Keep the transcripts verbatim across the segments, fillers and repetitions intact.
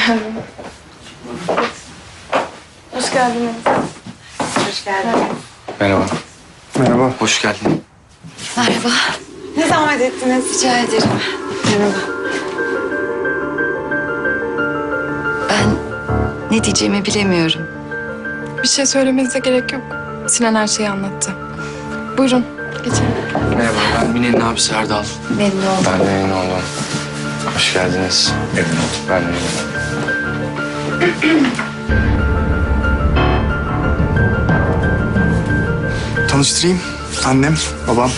Hoş geldiniz. Hoş geldin. Merhaba. Merhaba. Hoş geldin. Merhaba. Ne zahmet ettiniz? Rica ederim. Merhaba. Ben ne diyeceğimi bilemiyorum. Bir şey söylemenize gerek yok. Sinan her şeyi anlattı. Buyurun, geçin. Merhaba, ben Mine'nin abisi Erdal. Memnun oldum. Ben de memnun oldum. Hoş geldiniz. Memnun oldum. Ben de memnun oldum. Tanıştırayım. Annem, babam.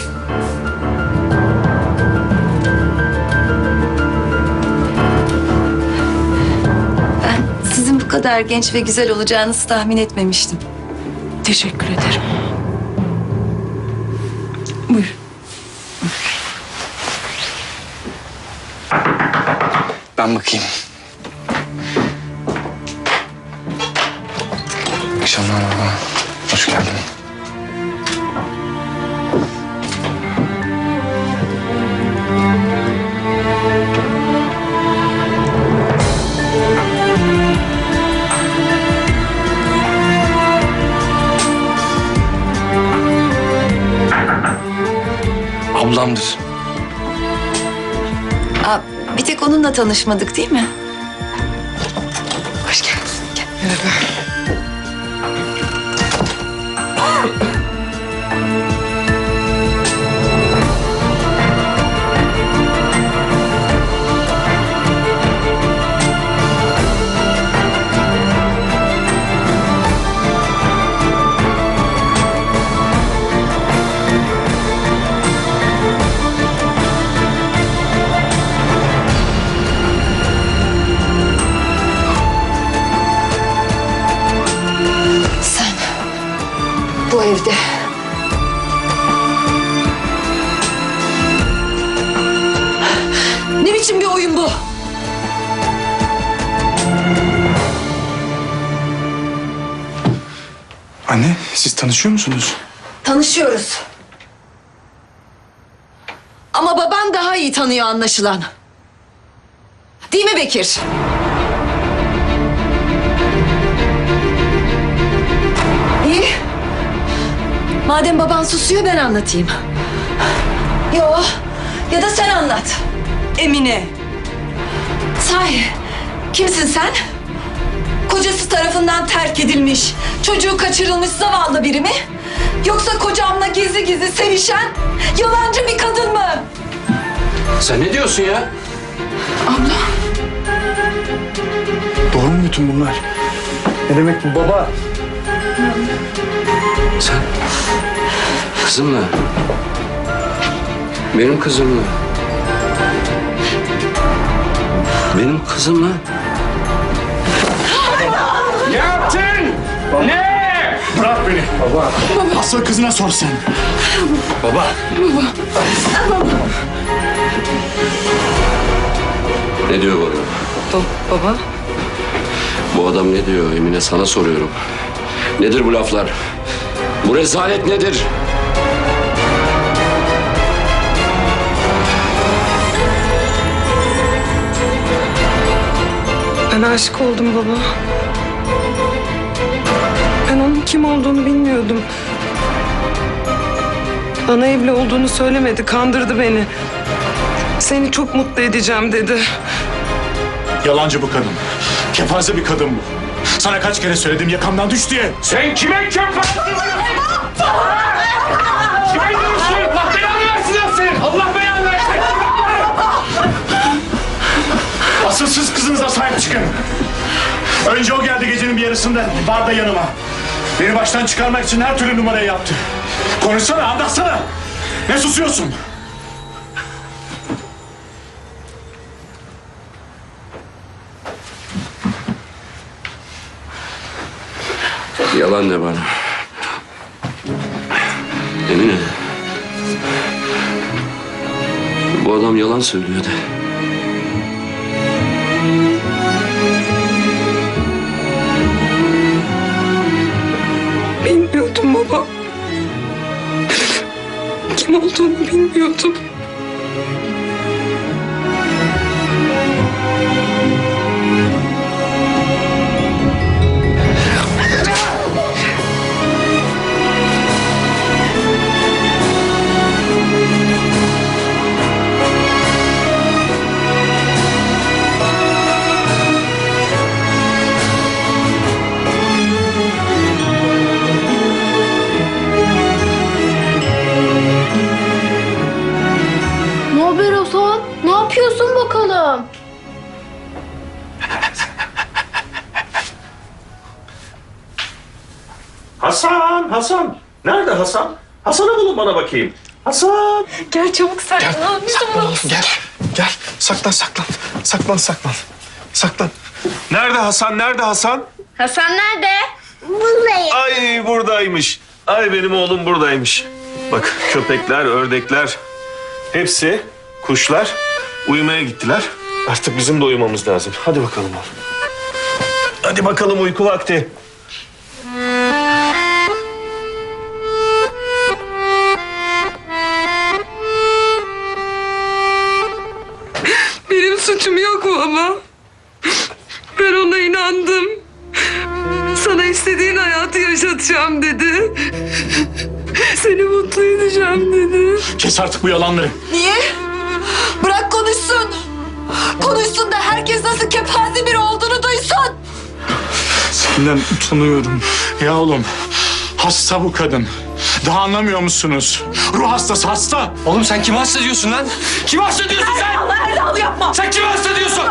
Ben sizin bu kadar genç ve güzel olacağınızı tahmin etmemiştim. Teşekkür ederim. Buyur. Ben bakayım. İyi akşamlar baba. Hoş geldin. Ablamdır. Aa, bir tek onunla tanışmadık değil mi? Hoş geldin. Gel. Sen bu evde ne biçim bir oyun bu? Anne, siz tanışıyor musunuz? Tanışıyoruz. Ama baban daha iyi tanıyor anlaşılan. Değil mi Bekir? İyi. Madem baban susuyor ben anlatayım. Yo. Ya da sen anlat. Emine. Sahi. Kimsin sen? Kocası tarafından terk edilmiş, çocuğu kaçırılmış zavallı biri mi? Yoksa kocamla gizli gizli sevişen yalancı bir kadın mı? Sen ne diyorsun ya? Doğru mu bütün bunlar? Ne demek bu baba? Sen kızımla, benim kızımla, benim kızımla. Ne yaptın? Ne? Bırak beni. Baba. Asıl kızına sor sen. Baba. Ne diyor bu adam? Baba? Bu adam ne diyor Emine, sana soruyorum. Nedir bu laflar? Bu rezalet nedir? Ben aşık oldum baba. Ben onun kim olduğunu bilmiyordum. Bana evli olduğunu söylemedi, kandırdı beni. Seni çok mutlu edeceğim dedi. Yalancı bu kadın. Kepaze bir kadın bu. Sana kaç kere söyledim yakamdan düş diye. Sen kime kepaze diyorsun? Kime diyorsun? Allah belanı versin lan senin! Allah belanı versin! Asıl siz kızınıza sahip çıkın. Önce o geldi gecenin bir yarısında barda yanıma. Beni baştan çıkarmak için her türlü numarayı yaptı. Konuşsana, anlatsana. Ne susuyorsun? Yalan de bana. Emine. Bu adam yalan söylüyor de. Bilmiyordum baba. Kim olduğunu bilmiyordum. Hasan'ı bulun bana bakayım. Hasan. Gel çabuk saklan. Saklan, gel. Gel. Saklan, saklan. Saklan, saklan. Saklan. Nerede Hasan? Nerede Hasan? Hasan nerede? Buradayım. Ay buradaymış. Ay benim oğlum buradaymış. Bak köpekler, ördekler, hepsi kuşlar uyumaya gittiler. Artık bizim de uyumamız lazım. Hadi bakalım oğlum. Hadi bakalım uyku vakti. Benim suçum yok mu ama? Ben ona inandım. Sana istediğin hayatı yaşatacağım dedi. Seni mutlu edeceğim dedi. Kes artık bu yalanları. Niye? Bırak konuşsun. Konuşsun da herkes nasıl kepaze biri olduğunu duysun. Senden utanıyorum. Ya oğlum, hasta bu kadın. Daha anlamıyor musunuz? Ruh hastası hasta. Oğlum sen kimi hasta diyorsun lan? Kimi hasta diyorsun sen? Erdal yapma. Sen kimi hasta diyorsun?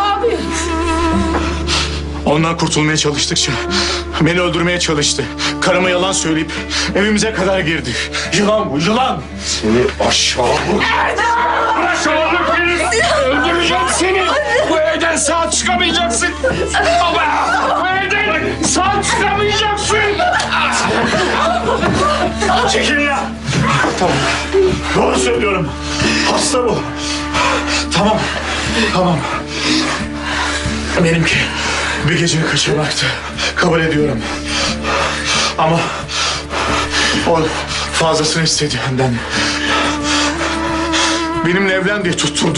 Ondan kurtulmaya çalıştıkça beni öldürmeye çalıştı. Karıma yalan söyleyip evimize kadar girdi. Yılan bu, yılan. Seni aşağı... Aşağılık herif! Öldüreceğim seni! Bu evden sağ çıkamayacaksın! Baba! Bu evden sağ çıkamayacaksın! Çekil ya. Tamam. Doğru söylüyorum. Hasta bu. Tamam. Tamam. Benimki bir gece kaçırmaktı. Kabul ediyorum. Ama o fazlasını istedi benden. Benimle evlen diye tutturdu.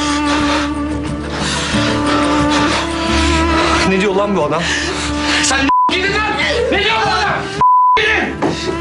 Ne diyor lan bu adam? Sen gidin lan! Ne diyor bu adam? Gidin!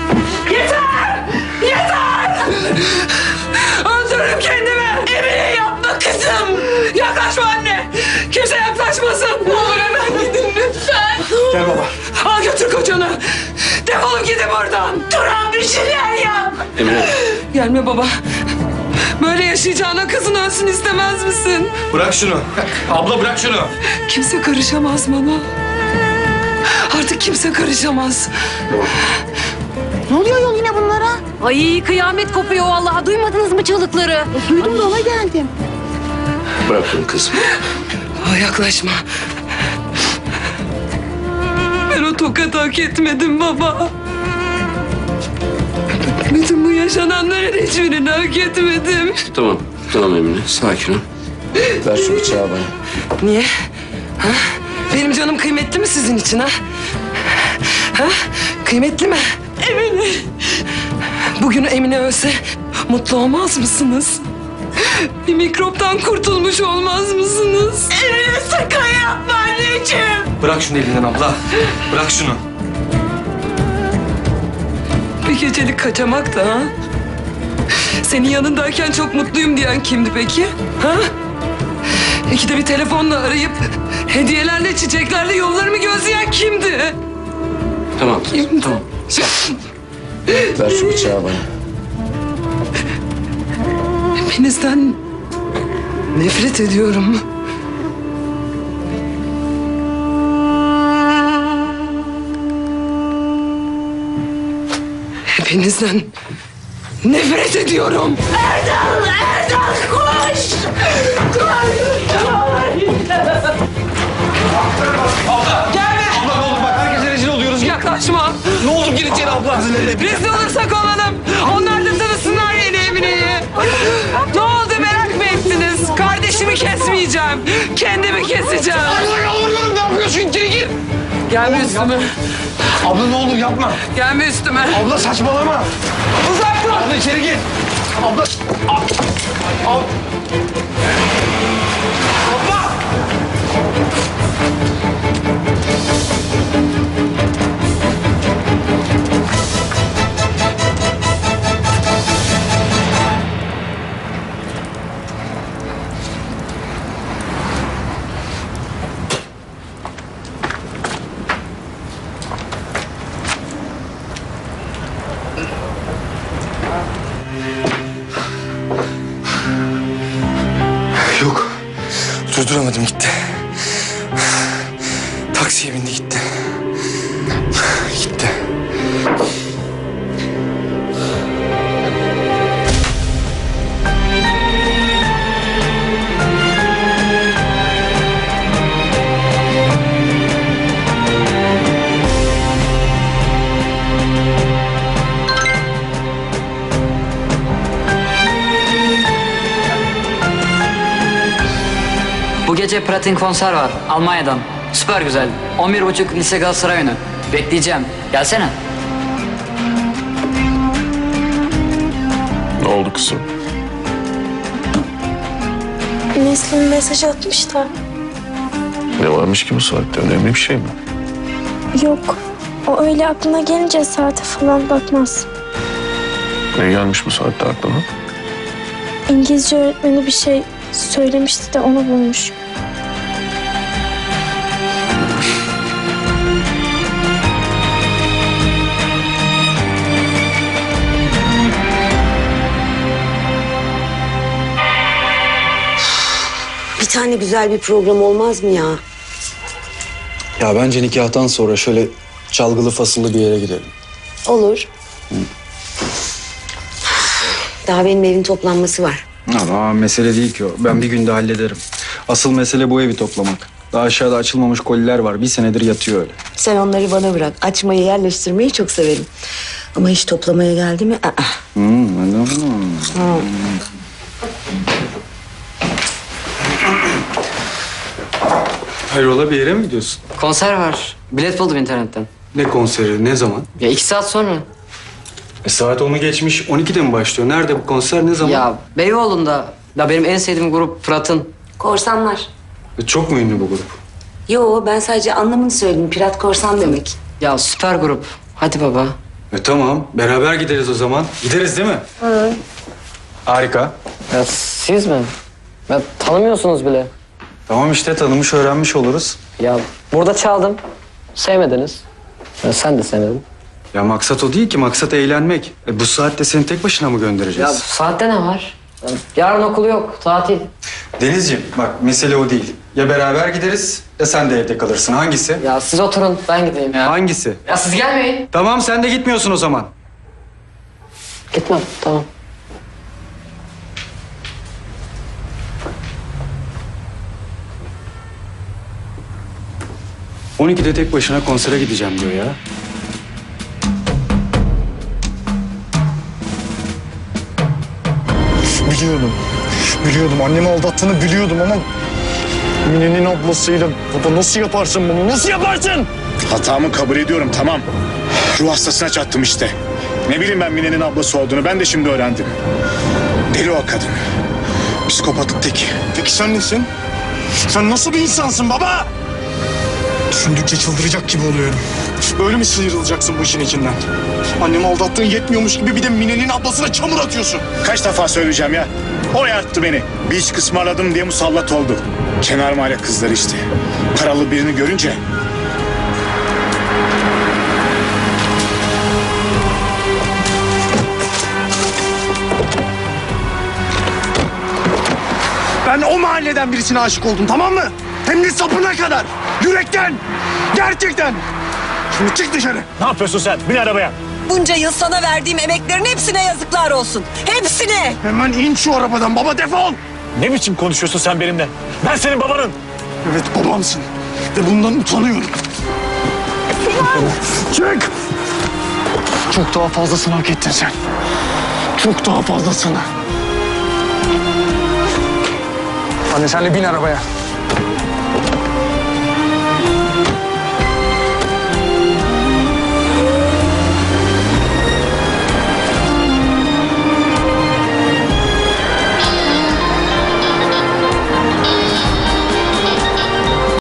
Öldürürüm kendimi. Emine yapma kızım. Yaklaşma anne. Kimse yaklaşmasın. Ne olur hemen gidin lütfen. Gel baba. Al götür kocanı. Defolup gidin buradan. Turan bir şeyler yap. Emine. Gelme baba. Böyle yaşayacağına kızın ölsün istemez misin? Bırak şunu. Abla bırak şunu. Kimse karışamaz bana. Artık kimse karışamaz. Ne oluyor yol yine bunlara? Ay kıyamet kopuyor vallahi. Duymadınız mı çığlıkları? Duydum da ona geldim. Bırak bunu kızım. Aa, yaklaşma. Ben o tokatı hak etmedim baba. Bütün bu yaşananların hiçbirini hak etmedim. Tamam. Tamam Emine. Sakin ol. Ver şu bıçağı bana. Niye? Ha? Benim canım kıymetli mi sizin için ha? Ha? Kıymetli mi? Emine. Bugün Emine ölse mutlu olmaz mısınız? Bir mikroptan kurtulmuş olmaz mısınız? Emine sakın yapma anneciğim. Bırak şunu elinden abla. Bırak şunu. Bir gecelik kaçamak da ha? Senin yanındayken çok mutluyum diyen kimdi peki? Ha? İkide bir telefonla arayıp hediyelerle, çiçeklerle yollarımı gözleyen kimdi? Tamam kızım. Tamam. Sakin. Ver şu bıçağı bana. Hepinizden nefret ediyorum. Hepinizden nefret ediyorum. Erdal, Erdal koş! Gelme! Abla ne olur bak herkese rezil oluyoruz. Yaklaşma. Ne olur gir içeri abla. Rezil olursak olalım. Onlar da tanısınlar yeni Emine'yi. Ne oldu merak mı ettiniz? Kardeşimi kesmeyeceğim. Kendimi keseceğim. Abla yalvarıyorum ne yapıyorsun? İçeri gir. Gelme üstüme. Abla ne olur yapma. Gelme üstüme. Abla saçmalama. Uzak dur. Abla içeri gir. Abla. Ab. Ab. Abla. Yok. Durduramadım gitti. Taksiye bindi gitti. Gitti. gece Pratin konser var Almanya'dan. Süper güzel. on bir buçuk Lise Galatasaray önü. Bekleyeceğim. Gelsene. Ne oldu kızım? Neslin mesaj atmış da. Ne varmış ki bu saatte? Önemli bir şey mi? Yok. O öyle aklına gelince saate falan bakmaz. Ne gelmiş bu saatte aklına? İngilizce öğretmeni bir şey söylemişti de onu bulmuş. Bir tane güzel bir program olmaz mı ya? Ya bence nikahtan sonra şöyle çalgılı fasıllı bir yere gidelim. Olur. Daha benim evin toplanması var. Ama mesele değil ki o. Ben bir günde hallederim. Asıl mesele bu evi toplamak. Daha aşağıda açılmamış koliler var. Bir senedir yatıyor öyle. Sen onları bana bırak. Açmayı, yerleştirmeyi çok severim. Ama hiç toplamaya geldi mi? Aa. Hmm, anladım. Hayrola bir yere mi gidiyorsun? Konser var. Bilet buldum internetten. Ne konseri, ne zaman? Ya iki saat sonra. E saat onu geçmiş, on ikide mi başlıyor? Nerede bu konser, ne zaman? Ya Beyoğlu'nda. Ya benim en sevdiğim grup Fırat'ın. Korsanlar. E, çok mu ünlü bu grup? Yo, ben sadece anlamını söyledim. Pirat korsan demek. Ya süper grup. Hadi baba. E tamam, beraber gideriz o zaman. Gideriz değil mi? Hı. Harika. Ya siz mi? Ya tanımıyorsunuz bile. Tamam işte, tanımış öğrenmiş oluruz. Ya burada çaldım. Sevmediniz. Ya sen de sevmedin. Ya maksat o değil ki, maksat eğlenmek. E, bu saatte seni tek başına mı Ya göndereceğiz? saatte ne var? Ya, yarın okul yok. Tatil. Denizciğim bak, mesele o değil. Ya beraber gideriz ya sen de evde kalırsın. Hangisi? Ya siz oturun. Ben gideyim ya. Hangisi? Ya siz gelmeyin. Tamam, sen de gitmiyorsun o zaman. Gitmem. Tamam. on ikide tek başına konsere gideceğim diyor ya. Biliyordum. Biliyordum. Annemi aldattığını biliyordum ama... Mine'nin ablasıyla baba nasıl yaparsın bunu? Nasıl yaparsın? Hatamı kabul ediyorum, tamam. Ruh hastasına çattım işte. Ne bileyim ben Mine'nin ablası olduğunu, ben de şimdi öğrendim. Deli o kadın. Psikopatlık teki. Peki sen nesin? Sen nasıl bir insansın baba? Düşündükçe çıldıracak gibi oluyorum. Böyle mi sıyrılacaksın bu işin içinden? Annemi aldattığın yetmiyormuş gibi bir de Mine'nin ablasına çamur atıyorsun. Kaç defa söyleyeceğim ya? O yarttı beni. Bir iş kısmarladım diye musallat oldu. Kenar mahalle kızları işte. Paralı birini görünce... Ben o mahalleden birisine aşık oldum, tamam mı? Hem de sapına kadar. Yürekten. Gerçekten. Şimdi çık dışarı. Ne yapıyorsun sen? Bin arabaya. Bunca yıl sana verdiğim emeklerin hepsine yazıklar olsun. Hepsine. Hemen in şu arabadan baba, defol. Ne biçim konuşuyorsun sen benimle? Ben senin babanın. Evet, babamsın. Ve bundan utanıyorum. Çık. Çok daha fazlasını hak ettin sen. Çok daha fazlasını. Anne sen de bin arabaya.